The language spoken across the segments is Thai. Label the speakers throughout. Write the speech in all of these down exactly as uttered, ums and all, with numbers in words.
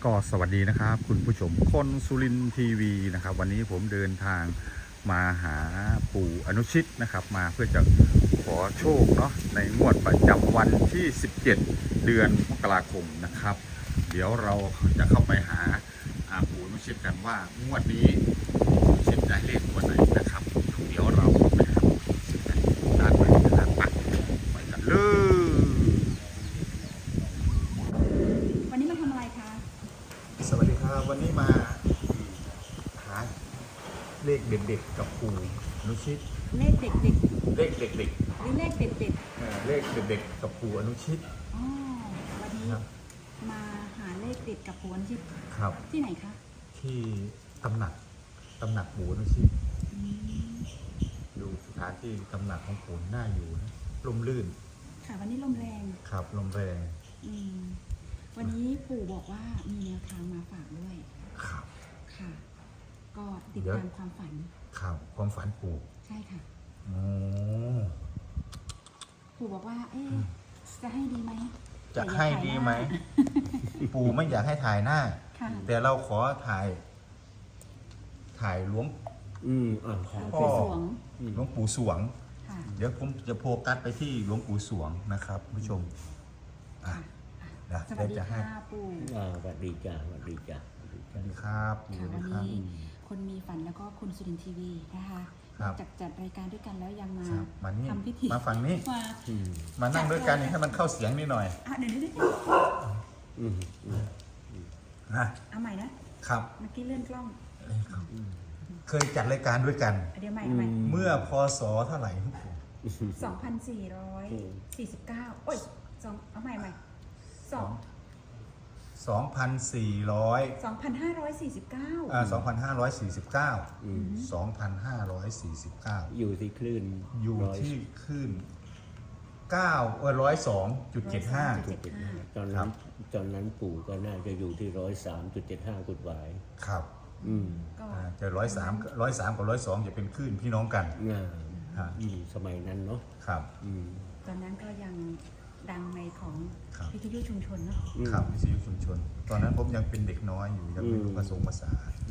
Speaker 1: ก็สวัสดีนะครับคุณผู้ชมคนสุรินทร์ทีวีนะครับวันนี้ผมเดินทางมาหาปู่อนุชิตนะครับมาเพื่อจะขอโชคเนาะในงวดประจำวันที่สิบเจ็ดเดือนมกราคมนะครับเดี๋ยวเราจะเข้าไปหาปู่อนุชิตกันว่างวดนี้ปู่อนุชิตได้เลขตัวไหนนะครับเดี๋ยวเราไปหาปู่อนุชิตกันด้านในนะครับไปกันเลย
Speaker 2: วันนี้มาทำอะไรคะ
Speaker 1: สวัสดีครับวันนี้มาหาเลขเด็ดๆกับปู่อนุชิต
Speaker 2: เลขเด็กๆ
Speaker 1: เลขเด็ก
Speaker 2: หรือเลขเด็ด
Speaker 1: ๆเอ่อเลขเด็กๆกับปู่อนุชิต
Speaker 2: ๆอ๋อวันนี้
Speaker 1: ครับ
Speaker 2: มาหาเลขเด็ดกับปู่อนุชิต
Speaker 1: ครับ
Speaker 2: ที่ไหนคะ
Speaker 1: ที่ตำหนักตำหนักปู่อนุชิตดูสถานที่ตำหนักของปู่น่าอยู่นะลมลื่น
Speaker 2: ค่ะวันนี้ลมแรง
Speaker 1: ครับลมแรง
Speaker 2: อืมวันนี้ปู่บอกว่ามีแนวทางมาฝากด้วย
Speaker 1: ครับ
Speaker 2: ค่ะก็ติดตามความฝัน
Speaker 1: ครับความฝันปู่
Speaker 2: ใช่ค่ะ
Speaker 1: โอ้
Speaker 2: ปู่บอกว่าเอ๊ะจะให้ดีไหม
Speaker 1: จะให้ดีไหมปู่ไม่อยากให้ถ่ายหน้าแต่เราขอถ่ายถ่ายหลวง
Speaker 3: อืมอ่า
Speaker 2: พ่อ
Speaker 1: หลวงปู่สวงเดี๋ยวผมจะโฟกัสไปที่หลวงปู่สวงนะครับผู้ชมอ่ะ
Speaker 2: สวัสดีค่ะปู่
Speaker 3: อ่าสวัสดีจ้าสวัสดีจ้า
Speaker 1: สวัสดีครับ
Speaker 2: ค่ะวันนี้คนมีฝันแล้วก็คุณสุรินทร์ทีวีนะคะจากจัดรายการด้วยกันแล้วยังมาทำพิธี
Speaker 1: มาฝั่งนี้มานั่งด้วยกันให้มันเข้าเสียงนิดหน่อย
Speaker 2: อ่ะเดี๋ยวนี้
Speaker 1: นะ
Speaker 2: เอาใหม่นะครับเมื่อกี้เลื่อนกล้อง
Speaker 1: เคยจัดรายการด้วยกัน
Speaker 2: เดี๋ยวใหม่เอาใหม่
Speaker 1: เมื่อพศเท่าไหร่
Speaker 2: สองพันสี่ร้อยสี่สิบเก้าโอ้ยสองเอาใหม่ใหม่สอง
Speaker 1: สองพันสี่ร้อย
Speaker 2: สองพันห้าร้อยสี่สิบเก้า
Speaker 1: อ่าสองพันห้าร้อยสี่สิบเก้าสองพันห้าร้อยสี่สิบเก้า
Speaker 3: อยู่ที่คลื่น
Speaker 1: อยู่ที่คลื่นเก้าเออร้อยสองจุดเจ็ดห้า
Speaker 3: ตอนนั้นตอนนั้นปู่ก็น่าจะอยู่ที่ร้อยสามจุดเจ็ดห้ากุดหวาย
Speaker 1: ครับอืมจะร้อยสามร้อยสามกับร้อยสองจะเป็นคลื่นพี่น้องกัน
Speaker 3: อ่าสมัยนั้นเนาะ
Speaker 1: ครับ
Speaker 2: ตอนนั้นก็ยังดังในของวิทยุชุมชนเนาะ
Speaker 1: ครับวิทยุชุมชนตอนนั้นผมยังเป็นเด็กน้อยอยู่ยังไม่รู้ภาษาภาษา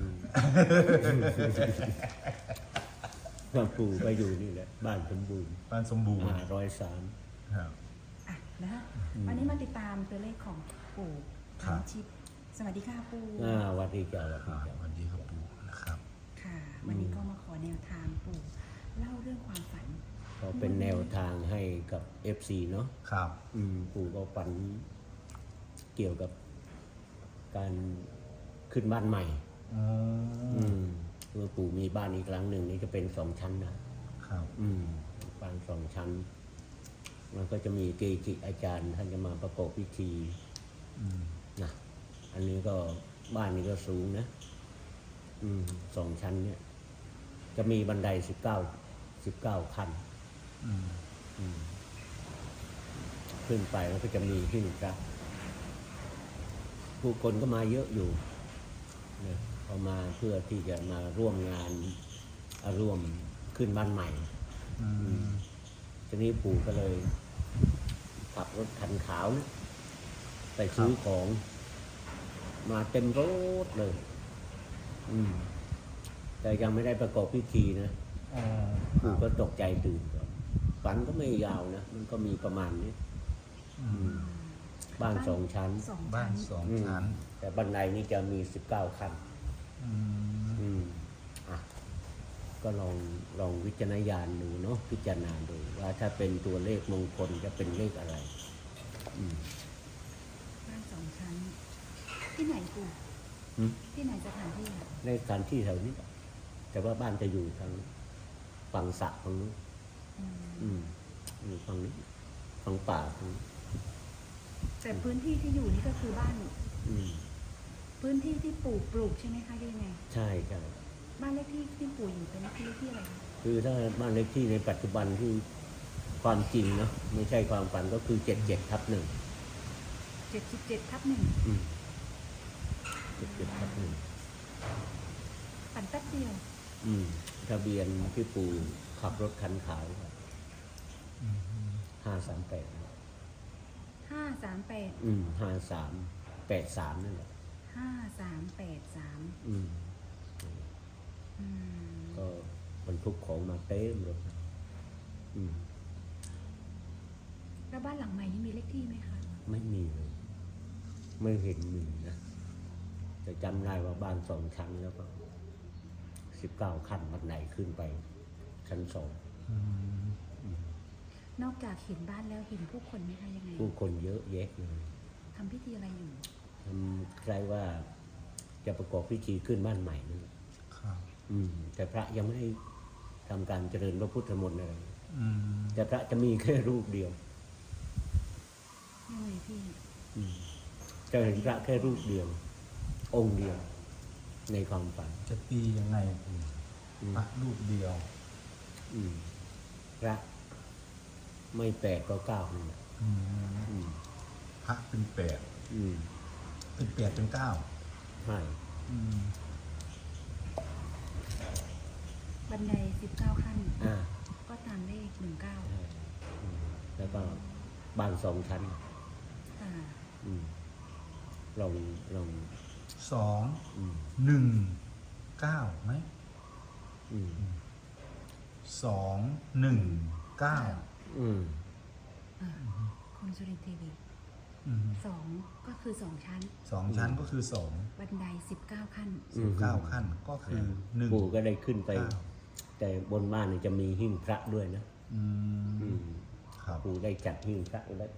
Speaker 3: บ้านปู่ก็อยู่นี่แหละบ้านสมบูรณ์
Speaker 1: บ้านสมบูรณ์
Speaker 3: ร้อยสาม
Speaker 1: ครับ
Speaker 2: อ่ะนะฮะวันนี้มาติดตามตัวเลขของปู่อนุชิตสวัสดีค่ะปู่
Speaker 3: อ่าสวัสดีจ้าส
Speaker 1: วัสดีครับปู่นะครับ
Speaker 2: ค่ะวันนี้ก็มาขอแนวทางปู่เล่าเรื่องความฝัน
Speaker 3: ก็เป็นแนวทางให้กับ เอฟ ซี เนาะ
Speaker 1: ครับ
Speaker 3: อืมปู่ก็ฝันเกี่ยวกับการขึ้นบ้านใหม่อืมคือปู่มีบ้านอีกหลังหนึ่งนี่จะเป็นสองชั้นนะครับอืมบ้านสองชั้นมันก็จะมีเกจิอาจารย์ท่านจะมาประกอบพิธีนะอันนี้ก็บ้านนี้ก็สูงนะอืมสองชั้นเนี่ยจะมีบันไดสิบเก้าสิบเก้าขั้นขึ้นไปแล้วก็จะมีหิ้งพระผู้คนก็มาเยอะอยู่เนี่ยเขามาเพื่อที่จะมาร่วมงานร่วมขึ้นบ้านใหม่ทีนี้ปู่ก็เลยขับรถคันขาวนะไปซื้อของมาเต็มรถเลยอืมแต่ยังไม่ได้ประกอบพิธีนะปู่ก็ตกใจตื่นก่อนฝันก็ไม่ยาวนะมันก็มีประมาณนี้บ้านสองชั้น
Speaker 1: บ้านสองชั้น
Speaker 3: แต่บันไดนี่จะมีสิบเก้าขั้นอืมอ่ะก็ลองลองวิจารณญาณดูเนาะพิจารณาดูว่าถ้าเป็นตัวเลขมงคลจะเป็นเลขอะไร
Speaker 2: บ้านสองชั้นที่ไหนปู่ที่ไหนสถานที่
Speaker 3: ในสถานที่แถวนี้แต่ว่าบ้านจะอยู่ทางฝั่งสระฝั่งนู้นอืมอยู่ฝั่งนี้ฝั่งป่าฝั่ง
Speaker 2: แต่พื้นที่ที่อยู่นี่ก็คือบ้านพื้นที่ที่ปู่ปลูกใช่ไหมคะยังไง
Speaker 3: ใช่ใช่
Speaker 2: บ้านเลขที่ที่ปู่อยู่เป็นเลขที่เลขที่อะไร
Speaker 3: คือถ้าบ้านเลขที่ในปัจจุบันที่ความจริงเนาะไม่ใช่ความฝันก็คือเจ็ดเจ็ดทับหนึ่ง
Speaker 2: เจ็ดสิบเจ็ดทับหนึ่ง
Speaker 3: เจ็ดเจ็ดทับหนึ่ง
Speaker 2: ฝันแป๊บเดียว
Speaker 3: อืมทะเบียนที่ปู่ขับรถคันขาวห้าสามแปด
Speaker 2: ห้าสามแปด
Speaker 3: อืมห้าสามแปดสามนั่นแหละ
Speaker 2: ห้าสามแปดสาม
Speaker 3: อืม
Speaker 2: อืม
Speaker 3: ก็บรรทุกของมาเต็มรถนะอืม
Speaker 2: แล้วบ้านหลังใหม่นี่มีเลขที่ไหมคะ
Speaker 3: ไม่มีเลย ไม่เห็นมีนะแต่จำได้ว่าบ้านสองชั้นแล้วก็สิบเก้าขั้นบันไดขึ้นไป ชั้นสอง
Speaker 1: อืม
Speaker 2: นอกจากเห็นบ้านแล้วเห็นผู้คนไหมคะยังไง
Speaker 3: ผู้คนเยอะแยะเลย
Speaker 2: ทำพิธีอะไรอยู่
Speaker 3: ทำใครว่าจะประกอบพิธีขึ้นบ้านใหม่นั่นแหละ
Speaker 1: ครับ
Speaker 3: อืม แต่พระยังไม่ได้ทำการเจริญพระพุทธมนต์อะไร
Speaker 1: อืม
Speaker 3: แต่พระจะมีแค่รูปเดียว
Speaker 2: ยังไงพี่
Speaker 3: อืมจะเห็นพระแค่รูปเดียว องค์เดียว ในความฝัน
Speaker 1: จะตียังไง
Speaker 3: อืม
Speaker 1: พระรูปเดียว
Speaker 3: อืมพระไม่แปดก็เก้านี่แหละ
Speaker 1: อืม
Speaker 3: อืม
Speaker 1: พระเป็นแปด
Speaker 3: อืม
Speaker 1: เป็นแปดเป็นเก้า
Speaker 3: ใช่
Speaker 1: อืม
Speaker 2: บันไดสิบเก้าขั้น
Speaker 3: อ่า
Speaker 2: ก็ตามเลขหนึ่งเก้า
Speaker 3: ใช่อืมแล้วก็บ้านสองชั้น
Speaker 2: ค่ะ
Speaker 3: อืมลองลอง
Speaker 1: สอง
Speaker 3: อืม
Speaker 1: หนึ่งเก้าไหม
Speaker 3: อืม
Speaker 1: สองหนึ่งเก้า
Speaker 3: อืม
Speaker 2: อ่าคุณสุรินทร์ทีวี
Speaker 1: อืม
Speaker 2: สองก็คือสองชั้น
Speaker 1: สองชั้นก็คือสอง
Speaker 2: บันไดสิบเก้าขั้น
Speaker 3: อื
Speaker 1: สิบ
Speaker 3: ม
Speaker 1: เก้าขั้นก็คือหนึ่ง
Speaker 3: ปู่ก็ได้ขึ้นไป
Speaker 1: เก้า
Speaker 3: แต่บนบ้านเนี่ยจะมีหิ้งพระด้วยนะ
Speaker 1: อื
Speaker 3: อื
Speaker 1: ม
Speaker 3: ม
Speaker 1: ครับ
Speaker 3: ปู่ได้จัดหิ้งพระไว้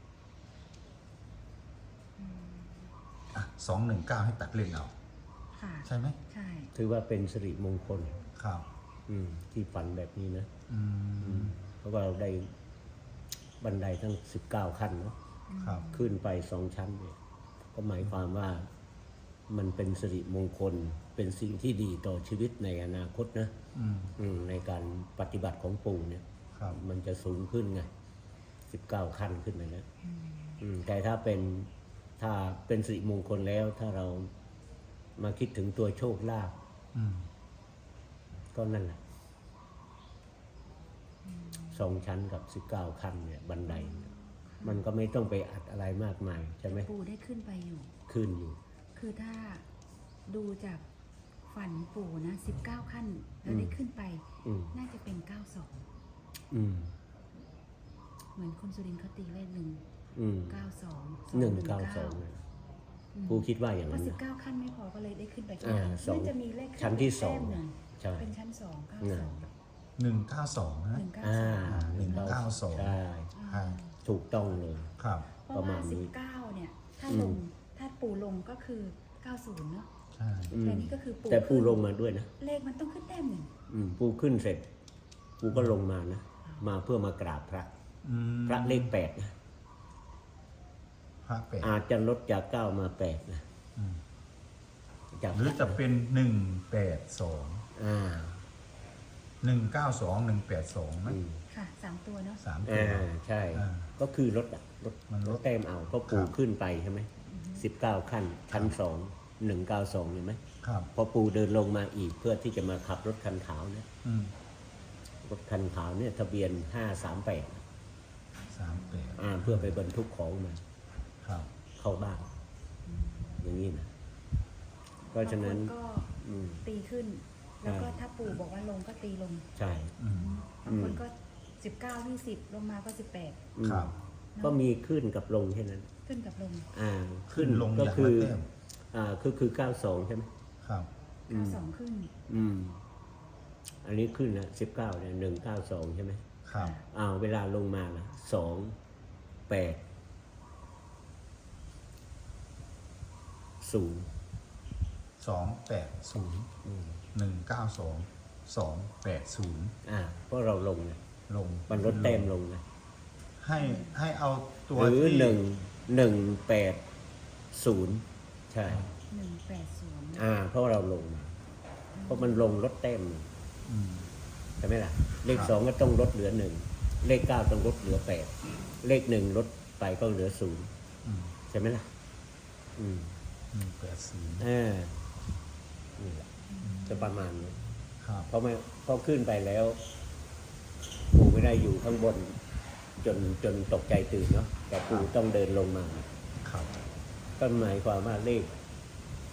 Speaker 1: อ่ะสองหนึ่งเก้าให้ตัดเล่นเอา
Speaker 2: ค่ะ
Speaker 1: ใช่ไหม
Speaker 2: ใช่
Speaker 3: ถือว่าเป็นสิริมงคล
Speaker 1: ครับ
Speaker 3: อืม ที่ฝันแบบนี้นะ
Speaker 1: อื
Speaker 3: อื
Speaker 1: ม
Speaker 3: มเพราะว่าเราได้บันไดทั้งสิบเก้าขั้นเนาะ
Speaker 1: ครับ
Speaker 3: ขึ้นไปสองชั้นเนี่ย ก็หมายความว่ามันเป็นสิริมงคล เป็นสิ่งที่ดีต่อชีวิตในอนาคตนะ
Speaker 1: อืม
Speaker 3: อืมในการปฏิบัติของปู่เนี่ย
Speaker 1: ครับ
Speaker 3: มันจะสูงขึ้นไงสิบเก้าขั้นขึ้นไปนะอืมแต่ถ้าเป็นถ้าเป็นสิริมงคลแล้ว ถ้าเรามาคิดถึงตัวโชคลาภ
Speaker 1: อืม
Speaker 3: ก็นั่นแหละสองชั้นกับสิบเก้าขั้นเนี่ยบันไดเนี่ยมันก็ไม่ต้องไปอัดอะไรมากมายใช่ไหม
Speaker 2: ปู่ได้ขึ้นไปอยู่
Speaker 3: ขึ้นอยู่
Speaker 2: คือถ้าดูจากฝันปู่นะสิบเก้าขั้น แล้วได้ขึ้นไป
Speaker 3: อืม
Speaker 2: น่าจะเป็นเก้าสอง
Speaker 3: อืม
Speaker 2: เหมือนคุณสุรินทร์เขาตีเลขหนึ่ง
Speaker 3: อืม
Speaker 2: เก้าสอง
Speaker 3: หนึ่งเก้าสองเนี่ยผู้คิดว่าอย่าง
Speaker 2: เพ
Speaker 3: นั้
Speaker 2: ราะ
Speaker 3: น
Speaker 2: สิบ
Speaker 3: นะ
Speaker 2: เก้าขั้นไม่พอก็เลยได้ขึ้นไป
Speaker 3: อ่าสอง
Speaker 2: น่าจะมีเลข
Speaker 3: ชั้นที่สอง
Speaker 2: แต้มหนึ่ง
Speaker 3: ใช่
Speaker 2: เป็นชั้นสองเก้าสอง
Speaker 1: หนึ่งเก้าสองนะ
Speaker 2: หนึ่งเก้า
Speaker 3: อ่า
Speaker 2: สอง
Speaker 1: หนึ่งเก้าสอง
Speaker 3: ใช่
Speaker 1: อ่า
Speaker 3: ถูกต้องเลย
Speaker 1: ครับ
Speaker 2: เพราะ
Speaker 3: ประมา
Speaker 2: ว่า
Speaker 3: ณนี้
Speaker 2: สิบเก้าเนี่ย ถ้า
Speaker 3: อืม
Speaker 2: ลงถ้าปู่ลงก็คือเก้าศูนย์เนาะ
Speaker 1: ใช่
Speaker 3: อืม
Speaker 2: แต่นี่ก็คือปู่
Speaker 3: แต่ปู
Speaker 2: ขึ้น
Speaker 3: ลงมาด้วยนะ
Speaker 2: เลขมันต้องขึ้นแต้มหนึ่ง
Speaker 3: อืมปูขึ้นเสร็จ ปูก็ลงมานะ มาเพื่อมากราบพระ
Speaker 1: อืม
Speaker 3: พระเลขแปดนะ
Speaker 1: พระแปด
Speaker 3: อาจจะลดจากเก้ามาแปดนะ
Speaker 1: อืม
Speaker 3: จาก
Speaker 1: หรือจะเป็นหนึ่งแปดสอง
Speaker 3: อ่า
Speaker 1: หนึ่งเก้าสองหนึ่งแปดสองไหม
Speaker 3: อืม
Speaker 2: ค่ะสามตัวเนาะ
Speaker 1: สามตั
Speaker 3: อ่าว ใช่
Speaker 1: อ่า
Speaker 3: ก็คือลดอะลด
Speaker 1: มันลด
Speaker 3: แต้มเอาเพราะปู
Speaker 1: ครับ
Speaker 3: ขึ้นไปใช่ไหมสิบเก้าขั้น ชั้นสองหนึ่งเก้าสองเห็นไหม
Speaker 1: ครับ
Speaker 3: พอปูเดินลงมาอีกเพื่อที่จะมาขับรถคันขาวนะ
Speaker 1: อืม
Speaker 3: รถคันขาวเนี่ยทะเบียนห้าสามแปด
Speaker 1: สามแปด
Speaker 3: อ่า เพื่อไปบรรทุกของมา
Speaker 1: ครับ
Speaker 3: เข้าบ้านอย่างนี้นะ เพราะฉะนั้น
Speaker 2: บางคก็
Speaker 3: อืม
Speaker 2: ตีขึ้น แล้วก็
Speaker 3: ใช่
Speaker 2: ถ้าปู่บอกว่าลงก็ตีลง
Speaker 3: ใช่
Speaker 1: อืม
Speaker 2: บางคนก็สิบเก้ายี่สิบลงมาก็สิบแปด
Speaker 3: อืม
Speaker 1: ครับ
Speaker 3: ก็มีขึ้นกับลงแค่นั้น
Speaker 2: ขึ้นกับลง
Speaker 3: อ่า
Speaker 1: ขึ้นลง
Speaker 3: ก็
Speaker 1: อย่าง
Speaker 3: คื
Speaker 1: ละ
Speaker 3: อ
Speaker 1: แต้ม
Speaker 3: อ่าคือคือเก้าสองใช่ไหม
Speaker 1: ครับ
Speaker 3: อืม
Speaker 2: เก้าสองขึ้น
Speaker 3: อืม อันนี้ขึ้นนะสิบเก้าเนี่ยหนึ่งเก้าสองใช่ไหม
Speaker 1: ครับ
Speaker 3: อ้าวเวลาลงมาล่ะสองแปดศูนย์
Speaker 1: สองแปดศูนย์หนึ่งเก้าสองสองแปดศูนย์
Speaker 3: อ่า เพราะเราลงไง
Speaker 1: ลง
Speaker 3: มันลดแต้มลงไง
Speaker 1: ให้ให้เอาตัว
Speaker 3: หรือ
Speaker 1: ที่
Speaker 3: หนึ่งหนึ่งแปดศูนย์ใช่
Speaker 2: หนึ่งแปดศูนย์
Speaker 3: อ่า เพราะเราลงมาเพราะมันลงลดแต้ม
Speaker 1: อืม
Speaker 3: ใช่ไหมล่ะ เลข
Speaker 1: ครับ
Speaker 3: สองก็ต้องลดเหลือหนึ่งเลขเก้าต้องลดเหลือแปดเลขหนึ่งลดไปก็เหลือศูนย์
Speaker 1: อืม
Speaker 3: ใช่ไหมล่ะ อืม
Speaker 1: หนึ่งแปดศูนย์
Speaker 3: อ่านี่แหละจะประมาณนี้
Speaker 1: ครับ
Speaker 3: เพราะไม่เพราะขึ้นไปแล้วปู่ไม่ได้อยู่ข้างบน จนจนตกใจตื่นเนาะแต่ปู่ต้องเดินลงมา
Speaker 1: ครับ
Speaker 3: ก็หมายความว่าเลข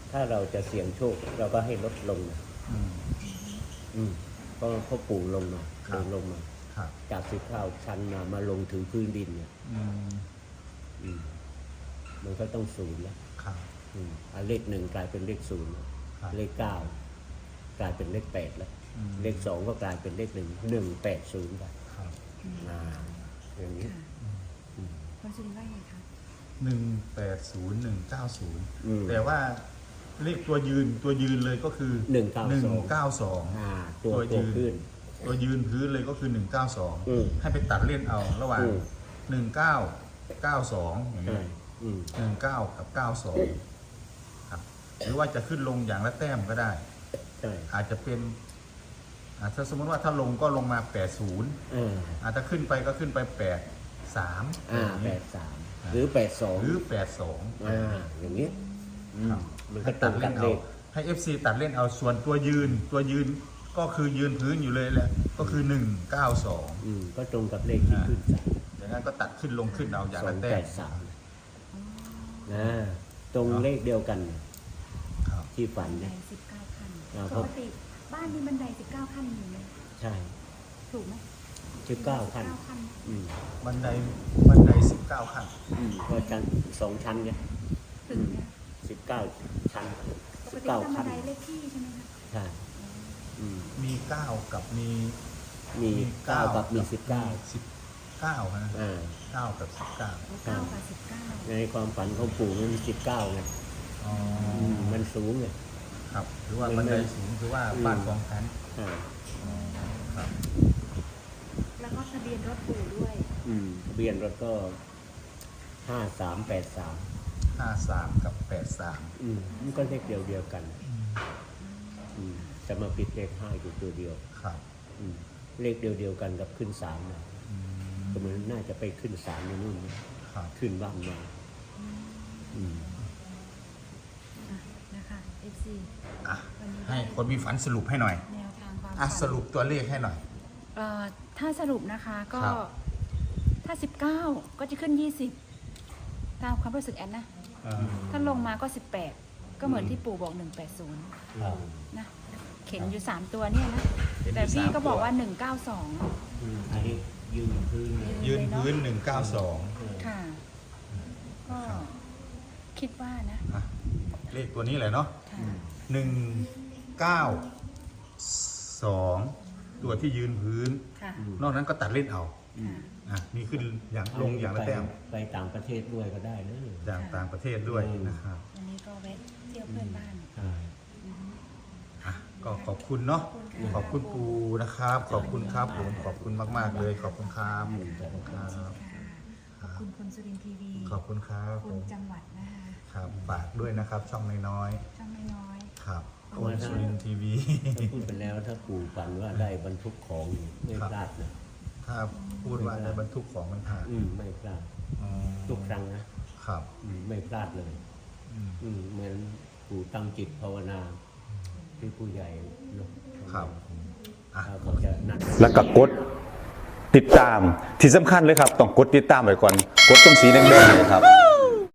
Speaker 3: ถ้าเราจะเสี่ยงโชค เราก็ให้ลดลงนะ
Speaker 1: อืม
Speaker 3: อืมเพราะพ่อปู่ลงมา
Speaker 1: ครั
Speaker 3: ล
Speaker 1: บ
Speaker 3: งลงมา
Speaker 1: ครับ
Speaker 3: จากสิบเก้าชั้นมามาลงถึงพื้นดินเนี่ย
Speaker 1: อืม
Speaker 3: อืมมันก็ต้องศูนย์แล้ว
Speaker 1: ครับ
Speaker 3: อืมอ่ะเลขหนึ่งกลายเป็นเลขศูนย์
Speaker 1: ครับ
Speaker 3: เลขเก้ากลายเป็นเลขแปดแล้ว
Speaker 1: อืม
Speaker 3: เลขสองก็กลายเป็นเลขหนึ่งหนึ่งแปดศูนย์ไป
Speaker 1: ครับ
Speaker 3: อ่าอย่างนี้
Speaker 2: ค่ะ
Speaker 3: อืม
Speaker 2: คนสุรินทร์ว่าไงคะ
Speaker 1: หนึ่งแปดศูนย์หนึ่งเก้าศูนย์
Speaker 3: อืม
Speaker 1: แต่ว่าเลขตัวยืนตัวยืนเลยก็คือ
Speaker 3: หนึ่งเก้าสอง
Speaker 1: หนึ่งเก้าสอง
Speaker 3: อ่าตัว
Speaker 1: ตัว
Speaker 3: ตัว
Speaker 1: ยืน
Speaker 3: ขึ้น
Speaker 1: ตัวยืนพื้นเลยก็คือหนึ่งเก้าสอง
Speaker 3: อืม
Speaker 1: ให้ไปตัดเล่นเอาระหว่าง
Speaker 3: อืม
Speaker 1: หนึ่งเก้าเก้าสองอย่าง
Speaker 3: ใช่
Speaker 1: นี้
Speaker 3: อืม
Speaker 1: หนึ่งเก้ากับเก้าสองครับหรือว่าจะขึ้นลงอย่างละแต้มก็ได้
Speaker 3: ใช่
Speaker 1: อาจจะเป็นอ่าถ้าสมมติว่าถ้าลงก็ลงมาแปดศูนย์
Speaker 3: อ่า
Speaker 1: อาจจะขึ้นไปก็ขึ้นไปแปดสาม
Speaker 3: อ่าแปดสามหรือแปดสอง
Speaker 1: หรือแปดสอง
Speaker 3: อ่าอย่างนี้อืม
Speaker 1: ครับ
Speaker 3: มันก็
Speaker 1: ให้
Speaker 3: ตร
Speaker 1: ตัด
Speaker 3: งกั
Speaker 1: เล่
Speaker 3: บ
Speaker 1: น
Speaker 3: เล
Speaker 1: เอา
Speaker 3: ข
Speaker 1: ให้ เอฟ ซี ตัดเล่นเอาส่วนตัวยืน ตัวยืนก็คือยืนพื้นอยู่เลยแหละก็คือหนึ่งเก้าสอง
Speaker 3: อืมก็ตรงกับเลขที่ขึ้นศาล
Speaker 1: อย่างนั้นก็ตัดขึ้นลงขึ้นเอาอย่าง
Speaker 3: สอ
Speaker 1: ละ
Speaker 3: ง
Speaker 1: แต้
Speaker 3: แป
Speaker 1: ม
Speaker 3: ดสามนะตรงเลขเดียวกัน
Speaker 1: ครับ
Speaker 3: ที่ฝัน
Speaker 2: บันได
Speaker 3: เนี่ย
Speaker 2: สิบเก้าขั้น
Speaker 3: อ่า
Speaker 2: ปกติบ้านมีบันไดสิบเก้าขั้นอยู่ไหม
Speaker 3: ใช่
Speaker 2: ถูกไหม
Speaker 3: สิบเก้าขั้น
Speaker 2: สิบเก้าขั้น
Speaker 3: อืม
Speaker 1: บันไดบันไดสิบเก้าขั้น
Speaker 3: อืมก็ชั้นสองชั้นไง
Speaker 2: ถึงเนี่ย
Speaker 3: สิบเก้าชั้น
Speaker 2: ป
Speaker 3: สิ
Speaker 2: ก
Speaker 3: บ
Speaker 2: ติ
Speaker 3: เก้า
Speaker 2: ตามบั
Speaker 3: ขั้
Speaker 2: น
Speaker 3: น
Speaker 2: ไดเลขที่ใช่ไหมคะ
Speaker 3: ใช่อืม
Speaker 1: มีเก้ากับมี
Speaker 3: มีเก้ากับมีสิบเก้า
Speaker 1: สิบเก้าฮะ
Speaker 3: อ่า
Speaker 1: เก้ากับสิบเก้า
Speaker 2: โอ้เก้ากับสิบเก้า
Speaker 3: ในความฝันของปู่มันมีสิบเก้าไง
Speaker 1: อ๋อ
Speaker 3: อืมมันสูงไง
Speaker 1: ครับหรือว่า
Speaker 3: มัน
Speaker 1: บันได
Speaker 3: ไม่
Speaker 1: สูงคือว่า
Speaker 3: อืม
Speaker 1: บ้านสองชั้น
Speaker 3: อ่า
Speaker 1: อ๋อครับ
Speaker 2: แล้วก็ทะเบียนรถปู่ด้วย
Speaker 3: อืมทะเบียนรถก็ห้าสามแปดสาม
Speaker 1: ห้าสามกับแปดสาม
Speaker 3: อืมมันก็เลขเดียวเดียวกัน อืมจะมาปิดเลขห้าอยู่ตัวเดียว
Speaker 1: ครับ
Speaker 3: อืมเลขเดียวเดียวกันกับขึ้นศาลนะ
Speaker 1: อืม
Speaker 3: ก็เหมือนน่าจะไปขึ้นศาลในนู่นนะครับ ขึ้นบ้านมาอืม
Speaker 2: อ่ะนะคะ เอฟ ซี
Speaker 1: อ่ะให้คนมีฝันสรุปให้หน่อย
Speaker 2: แนวทางความ
Speaker 1: อ่ะ
Speaker 2: ฝัน
Speaker 1: สรุปตัวเลขให้หน่อย
Speaker 2: เอ่อถ้าสรุปนะคะก็
Speaker 1: ครับ
Speaker 2: ถ้าสิบเก้าก็จะขึ้นยี่สิบตามความรู้สึกแอนนะ ถ้าลงมาก็สิบแปดก็เหมือนที่ปู่บอกหนึ่งแปดศูนย์
Speaker 3: ครับ
Speaker 2: นะเข็นอยู่สามตัวเนี่ยนะ
Speaker 1: เข็นอยู่
Speaker 2: แต่พี่
Speaker 1: สาม
Speaker 2: ก็บอก
Speaker 1: ตัว
Speaker 2: ว่าหนึ่งเก้าสอง
Speaker 3: อืมอันนี้ยืนพื้นเลย
Speaker 1: ยืนพื้นหนึ่งเก้าสอง
Speaker 2: ค่ะ ก็คิดว่านะ
Speaker 1: เลขตัวนี้เลยเนาะ
Speaker 2: ค่ะ
Speaker 1: หนึ่งเก้าสองตัวที่ยืนพื้น
Speaker 2: ค่ะ
Speaker 1: นอกนั้นก็ตัดเล่นเอา
Speaker 2: ค่ะ
Speaker 1: อ่ะนี่ขึ้นอย่างลงอย่างละแต้ม
Speaker 3: ไปต่างประเทศด้วยก็ได้นะ
Speaker 1: อย่างต่างประเทศด้วยนะครับ
Speaker 2: วันนี้ก็แวะเที่ยวเพื่อนบ้าน
Speaker 3: ใช่
Speaker 1: อ่ะก็ขอบคุณเนาะขอบคุณปูนะครับ ขอบคุณครับผมขอบคุณมากๆเลยขอบคุณครับขอบคุณครับ
Speaker 2: ขอบคุณคุณสุรินทร์ทีวี
Speaker 1: ขอบคุณครับ
Speaker 2: คุณจังหวัดนะคะ
Speaker 1: ครับฝากด้วยนะครับ ช่องน้อย
Speaker 2: ช่างไม่น้อย
Speaker 1: ๆครับคนสุรินทร์ทีวี
Speaker 3: ถ้าพูดไปแล้วถ้าปู่ฝันว่าได้บรรทุกของไม่
Speaker 1: ครับ
Speaker 3: พลาดนะ
Speaker 1: ถ้าพูดว่าในบรรทุกของมันผ่าน
Speaker 3: อืมไม่พลาด
Speaker 1: อ๋อ
Speaker 3: ทุกครั้งนะครับ อืมไม่พลาดเลย
Speaker 1: อืม
Speaker 3: อืมเหมือนปู่ตั้งจิตภาวนาที่ผู้ใหญ่เนอะ
Speaker 1: ครับอ่ะ
Speaker 3: ถ้าเขาจะหนัก
Speaker 4: แล้วก็กดติดตามที่สำคัญเลยครับ ต้องกดติดตามไว้ก่อน กดตรงสีแดงๆเลยครับ